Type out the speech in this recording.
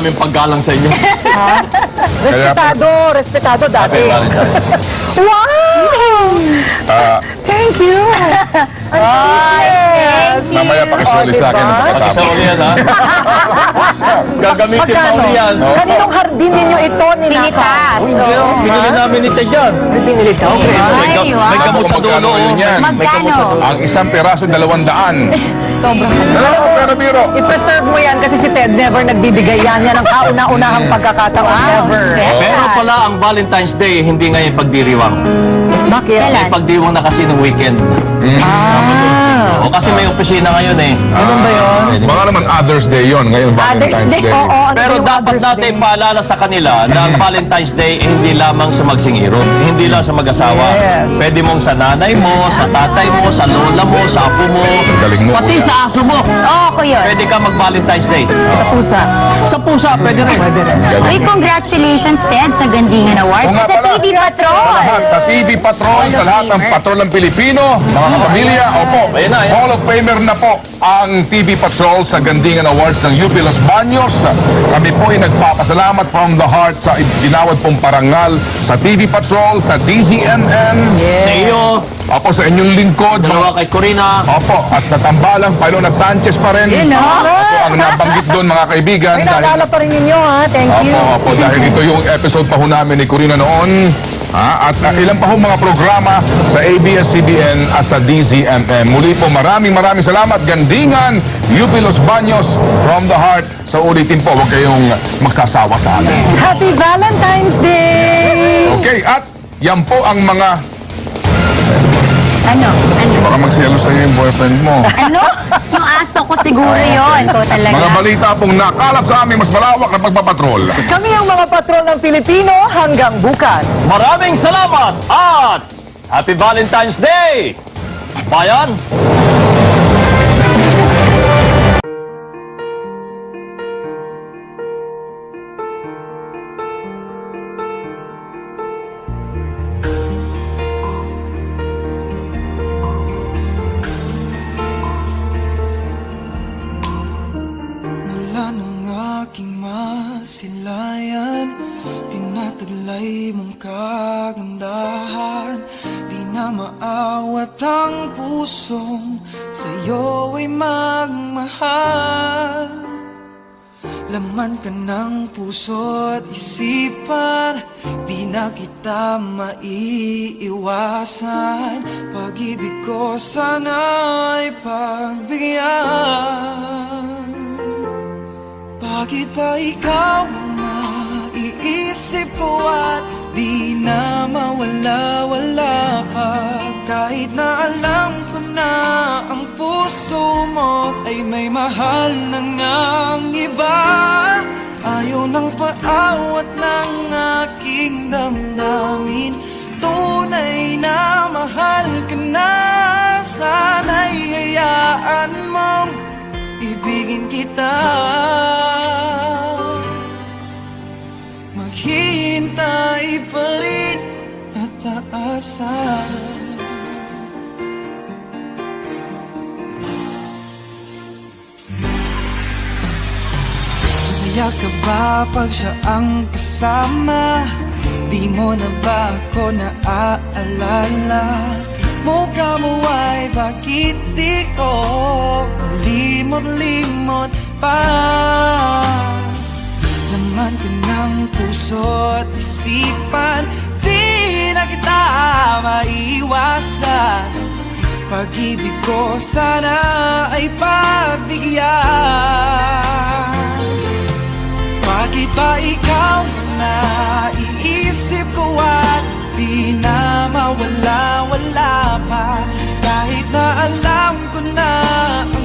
aming paggalang sa inyo. Ha? Respetado dati. Happy Valentine's. Wow! Thank you! Yes! Mamaya pakisuli sa akin. Pag-isauli yan, ha? Gagamitin pa uli yan. Kaninong hardin ninyo ito ninakaw? Hindi, binili namin ni Ted yan. Pinili ka? Okay. May gamot sa dulo. Yan. May gamot sa dulo. Ang isang piraso, 200. Sobrang Pero biro. I-preserve mo yan kasi si Ted never nagbibigay yan. Yan ang kauna-unahang pagkakataon ever. Pero pala ang Valentine's Day, hindi ngayon pagdiriwang. Bakit? May pagdiwang na kasi ng weekend. O kasi may opisina ngayon eh. Ganun ba yun? Baka naman Others Day yon ngayon Others Valentine's Day. Day. Oo. ano Pero yung dapat Others natin Day? paalala sa kanila na ang Valentine's Day eh, hindi lamang sa magsingirot, hindi lang sa mag-asawa. Yes. Pwede mong sa nanay mo, sa tatay mo, sa lola mo, sa apo mo, Galing mo, pati kuya. sa aso mo. Oo, ko yun. Pwede ka mag-Valentine's Day. Sa pusa. Sa pusa, pwede rin. Pwede rin. Uy, congratulations, Ted, sa Gandingan Awards. Oo nga Sa pala. TV Patrol. Sa TV Patrol, sa lahat ng patrol ng Pilipino, mga kapamilya, opo, Ayan na, ayan. Hall of Famer na po ang TV Patrol sa Gandingan Awards ng UP Los Baños. Kami po ay nagpapasalamat from the heart sa ginawad pong parangal sa TV Patrol, sa DZMM, Sa iyo, opo, sa inyong lingkod, dalawa kay Corina. opo, at sa tambalang, Filona Sanchez pa rin. Yun, ha? Ito ang nabanggit doon, mga kaibigan. May naalala pa rin ninyo, ha? Thank you. Opo, dahil ito yung episode pa ho namin ni Corina noon. At ilan pa ho mga programa sa ABS-CBN at sa DZMM. Muli po maraming salamat. Gandingan, UP Los Baños, from the heart. Sa ulitin po, huwag kayong magsasawa sa amin. Happy Valentine's Day! Okay, at yan po ang mga... Ano? Baka magsiyalo sa'yo yung boyfriend mo. Ano? Yung aso ko siguro yun. Ikaw talaga. Mga balita pong nakalap sa aming mas malawak na pagpapatrol. Kami ang mga patrol ng Pilipino hanggang bukas. Maraming salamat at Happy Valentine's Day! Bayan! Mula ng aking masilayan, tinataglay mong kagandahan. Di na maawat ang pusong sa'yo ay magmahal. Laman ka ng puso at isipan, di na kita maiiwasan. Pag-ibig ko sana'y pagbigyan. Bakit ba ikaw ang naiisip ko at di na mawala-wala pa? Kahit na alam ko na ang puso mo ay may mahal na ngang iba. Ayaw ng paawat ng aking damdamin, tunay na mahal ka na. Sana'y hayaan mong ibigin kita. Maghihintay pa rin at aasa. Masaya ka ba pag siya ang kasama? Di mo na ba ako naaalala? Mukha mo ay bakit di ko malimot-limot pa? Laman ka ng puso at isipan, di na kita maiwasan. Pag-ibig ko sana ay pagbigyan. Bakit ba ikaw na naiisip ko at di na mawala-wala pa? Kahit na alam ko na ang